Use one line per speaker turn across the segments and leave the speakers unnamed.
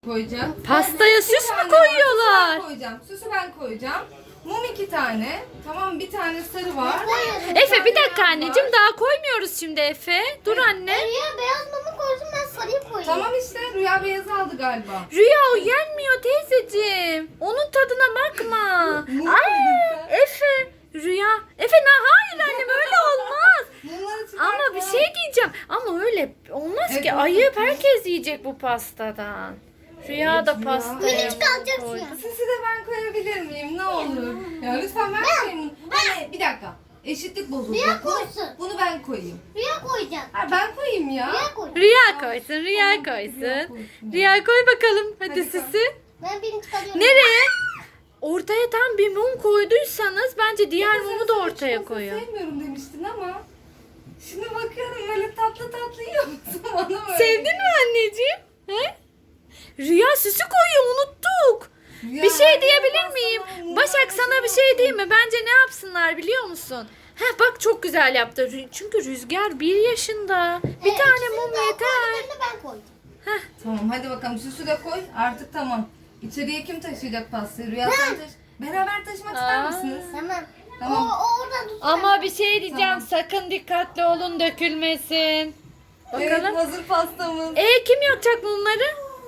koyacağım.
Pastaya süs mü koyuyorlar?
Süsü ben koyacağım. Mum 2 tane. Tamam, bir tane sarı var.
Efe bir dakika anneciğim, daha koymuyoruz şimdi Efe. Dur anne.
Rüya beyaz mumu koysun, ben sarıyı koyayım.
Tamam işte, Rüya beyazı aldı galiba.
Rüya o yenmiyor teyzeciğim. Onun tadına bakma.
Mum
Ay
koydun sen.
Efe. Rüya. Efe hayır annem öyle olmaz.
Mumları çıkartma.
Ama bir şey diyeceğim. Ama öyle olmaz
Evet,
ki.
olmaz.
Herkes yiyecek bu pastadan. Rüya da
Evet,
pasta.
Rüya.
Minicik alacaksın
koydu.
ya.
Süsü de ben koyabilir miyim? Ne olur. Ya lütfen vermeyin. Anne bir dakika. Eşitlik bozuldu.
Rüya koysun.
Bunu ben koyayım.
Rüya koyacak.
Ha, ben koyayım ya.
Rüya koy.
Rüya koysun, Rüya
Tamam, Rüya
koysun.
koysun.
Rüya koy bakalım. Hadi
Hadi
süsü.
Ben birini çıkarıyorum.
Nereye? Ortaya tam bir mum koyduysanız bence diğer
Sen
mumu da ortaya
çikolata
koyun.
sevmiyorum demiştin ama. Şimdi bakıyorum böyle tatlı tatlı yiyor musun bana böyle?
Sevdin mi anneciğim? He? Rüya süsü koyuyor, unuttuk.
Ya,
Bir şey
anne,
diyebilir
ben
miyim?
sana
Başak sana bir şey diyeyim mi? Bence ne yapsınlar biliyor musun? Heh bak çok güzel yaptı. Çünkü Rüzgar 1 yaşında. Bir tane
İkisini
mum
de o
yeter.
koydu, birini ben koydum.
Tamam hadi bakalım süsü de koy. Artık tamam. İçeriye kim taşıyacak pastayı? Rüya sen taşı. Beraber taşımak ister
Aa.
misiniz?
Tamam.
Tamam.
O oradan tutsun.
Ama bir şey diyeceğim.
Tamam.
Sakın dikkatli olun, dökülmesin.
Evet,
Bakalım.
hazır pastamız.
Kim yakacak mumları?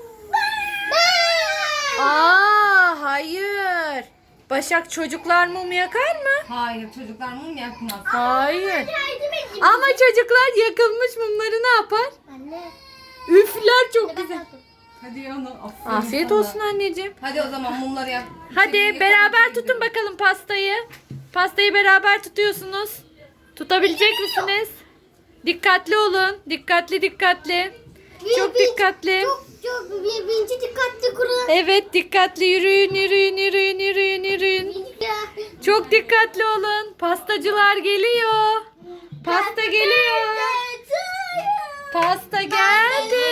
Hayır. Başak çocuklar mum yakar mı?
Hayır, çocuklar mum yakmaz.
Hayır.
Yardım edeyim.
Ama çocuklar yakılmış mumları ne yapar?
Anne.
Üfler çok
Ben
güzel.
kalktım.
Hadi yana. Aferin
Afiyet
sana.
olsun anneciğim.
Hadi o zaman mumları yak.
Hadi
İçeriye
beraber
yakalım.
tutun bakalım pastayı. Pastayı beraber tutuyorsunuz. Tutabilecek misiniz? Dikkatli olun. Dikkatli. Çok dikkatli.
Çok birinci dikkatli kurun.
Evet dikkatli yürüyün. Çok dikkatli olun. Pastacılar geliyor. Pasta geliyor. Pasta geldi.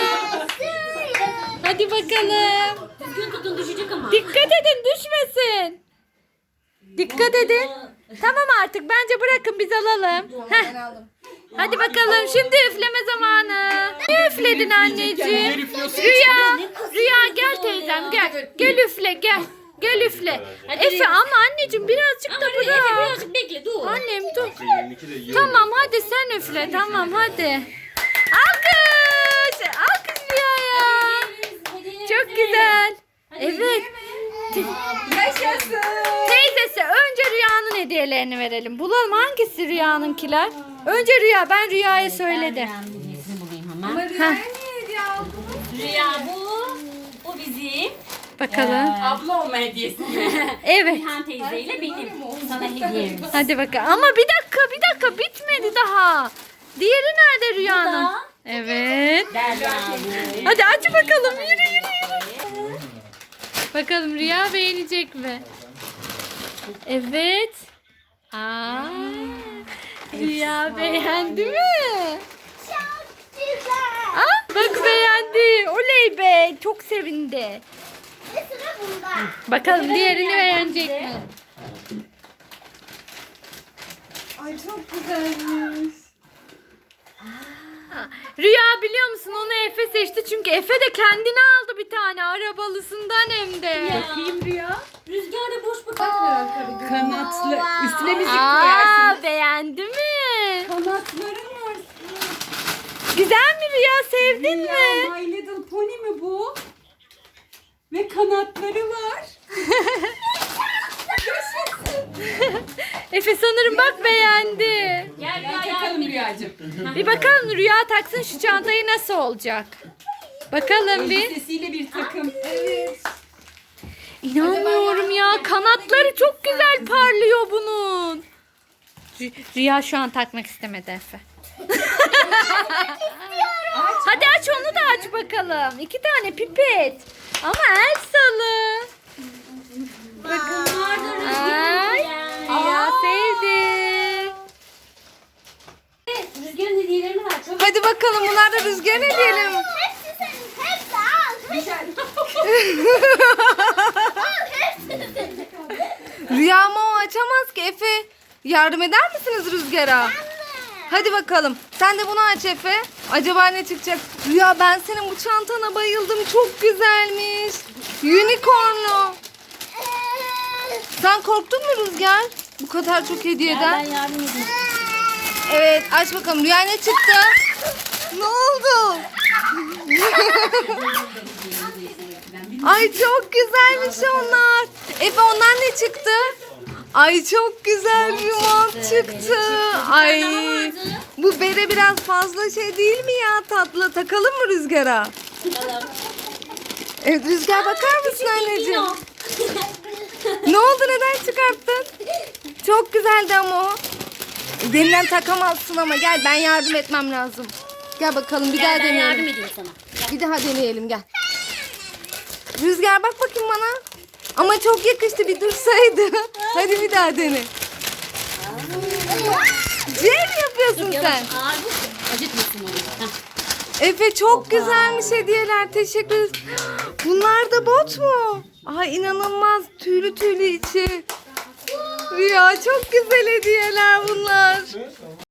Hadi bakalım.
Düzgün tutun, düşecek ama.
Dikkat edin düşmesin. Dikkat edin. Tamam artık bence bırakın biz alalım. Heh,
Ben aldım.
hadi bakalım şimdi üfleme zamanı. Ne üfledin anneciğim? Rüya gel teyzem gel. Gel üfle gel. Gel üfle. Efe ama anneciğim birazcık da
Efe
bırak.
birazcık bekle, dur.
Annem dur. Tamam hadi sen üfle tamam hadi. Alkış. Alkış Rüya'ya. Çok güzel. Evet.
Yaşasın.
Teyzesi önce Rüya'nın hediyelerini verelim. Bulalım hangisi Rüya'nınkiler? Önce Rüya. Ben Rüya'ya söyledim.
Ben hediyesini bulayım hemen.
Ama Rüya'ya niye hediye aldın?
Rüya bu. O bizim.
Bakalım.
Abla olma hediyesi.
Evet.
Nihan teyzeyle benim. Sana hediyemiz.
Hadi bakalım. Ama bir dakika bitmedi daha. Diğeri nerede Rüya'nın?
Burada.
Evet.
Derya bu.
Hadi aç bakalım. Yürü. Bakalım Rüya beğenecek mi? Evet. Rüya beğendi mi?
Çok güzel.
Bak beğendi. Oley be. Çok sevindi.
Ve sıra bunda.
Bakalım diğerini beğenecek mi?
Ay çok güzelmiş.
Rüya biliyor musun onu Efe seçti çünkü Efe de kendine aldı bir tane arabalısından hem de.
Bakayım Rüya. Rüzgar da boş bakar.
Kanatlı. Üstüne müzik
Beğendi mi?
Kanatları var.
Güzel mi Rüya sevdin mi?
My Little Pony mi bu? Ve kanatları var.
Efe sanırım bak beğendi.
Gel Rüya yardım et.
Rüyacığım.
Bir bakalım Rüya taksın şu çantayı nasıl olacak? Bakalım bir.
Sesiyle bir takım. Evet.
İnanmıyorum ya kanatları çok güzel parlıyor bunun. Rüya şu an takmak istemedi Efe. Hadi aç onu da aç bakalım. 2 tane pipet. Ama Elsa'lı.
Bunlar da
Ay,
Rüzgar'ın
Rüya sevdi.
Rüzgar'ın hediyelerini ver. Çok
Hadi bakalım bunlar da Rüzgar ne diyelim?
Hepsi senin. Hepsi al. Hepsi senin.
Rüya ama o açamaz ki Efe. Yardım eder misiniz Rüzgar'a? Hadi bakalım. Sen de bunu aç Efe. Acaba ne çıkacak? Rüya ben senin bu çantana bayıldım. Çok güzelmiş. Unicornlu. Sen korktun mu Rüzgar? Bu kadar çok hediyeden.
Ben yardım edeyim.
Evet aç bakalım. Rüya ne çıktı? Ne oldu? Ay çok güzelmiş onlar. Efe ondan ne çıktı? Ay çok güzel bir mont çıktı. Ay bu bere biraz fazla şey değil mi ya tatlı? Takalım mı Rüzgar'a? Evet Rüzgar bakar mısın anneciğim? Ne oldu neden çıkarttın? Çok güzeldi ama o. Elinden takamazsın ama gel ben yardım etmem lazım. Gel bakalım bir daha
Ben yardım
deneyelim.
edeyim sana.
Bir daha deneyelim gel. Rüzgar bak bakayım bana. Ama çok yakıştı bir dursaydı. Hadi bir daha dene. C mi yapıyorsun sen?
Ağır bu. Acıtmasın onu. Heh.
Efe çok güzelmiş hediyeler. Teşekkür ederiz. Bunlar da bot mu? Ay inanılmaz tüylü tüylü içi. Rüya çok güzel hediyeler bunlar.